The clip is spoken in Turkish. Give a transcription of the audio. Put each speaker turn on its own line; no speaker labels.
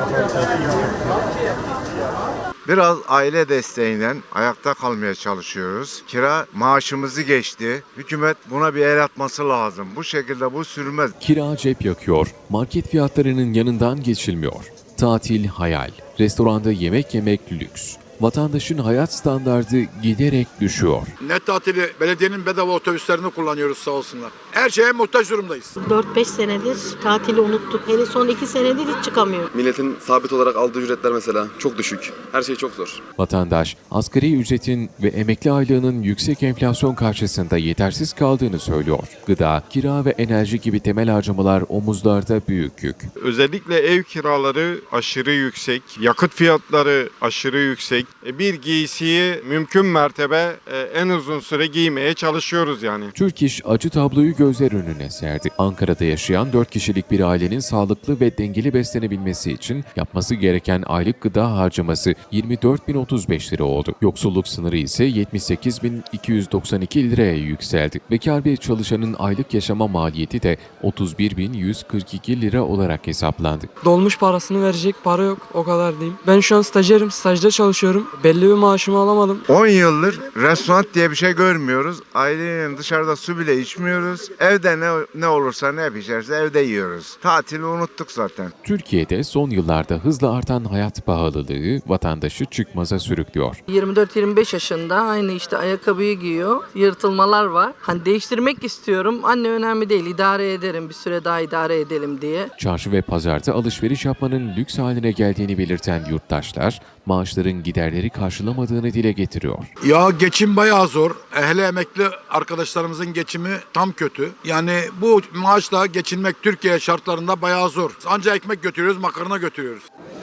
Biraz aile desteğinden ayakta kalmaya çalışıyoruz. Kira maaşımızı geçti. Hükümet buna bir el atması lazım. Bu şekilde bu sürmez.
Kira cep yakıyor, market fiyatlarının yanından geçilmiyor. Tatil hayal, restoranda yemek yemek lüks. Vatandaşın hayat standardı giderek düşüyor.
Ne tatili, belediyenin bedava otobüslerini kullanıyoruz sağ olsunlar. Her şeye muhtaç durumdayız.
4-5 senedir tatili unuttuk. Hele son 2 senedir hiç çıkamıyor.
Milletin sabit olarak aldığı ücretler mesela çok düşük. Her şey çok zor.
Vatandaş, asgari ücretin ve emekli aylığının yüksek enflasyon karşısında yetersiz kaldığını söylüyor. Gıda, kira ve enerji gibi temel harcamalar omuzlarda büyük yük.
Özellikle ev kiraları aşırı yüksek, yakıt fiyatları aşırı yüksek. Bir giysiyi mümkün mertebe en uzun süre giymeye çalışıyoruz yani.
Türk İş acı tabloyu gözler önüne serdi. Ankara'da yaşayan 4 kişilik bir ailenin sağlıklı ve dengeli beslenebilmesi için yapması gereken aylık gıda harcaması 24.035 lira oldu. Yoksulluk sınırı ise 78.292 liraya yükseldi. Bekar bir çalışanın aylık yaşama maliyeti de 31.142 lira olarak hesaplandı.
Dolmuş parasını verecek para yok, o kadar diyeyim. Ben şu an stajyerim, stajda çalışıyorum. Belli bir maaşımı alamadım.
10 yıldır restoran diye bir şey görmüyoruz. Aileyle dışarıda su bile içmiyoruz. Evde ne olursa ne pişerse evde yiyoruz. Tatili unuttuk zaten.
Türkiye'de son yıllarda hızla artan hayat pahalılığı vatandaşı çıkmaza sürüklüyor.
24-25 yaşında aynı işte ayakkabıyı giyiyor. Yırtılmalar var. Hani değiştirmek istiyorum. Anne önemli değil. İdare ederim. Bir süre daha idare edelim diye.
Çarşı ve pazarda alışveriş yapmanın lüks haline geldiğini belirten yurttaşlar, maaşların giderleri karşılamadığını dile getiriyor.
Ya geçim bayağı zor. Hele emekli arkadaşlarımızın geçimi tam kötü. Yani bu maaşla geçinmek Türkiye şartlarında bayağı zor. Anca ekmek götürüyoruz, makarna götürüyoruz.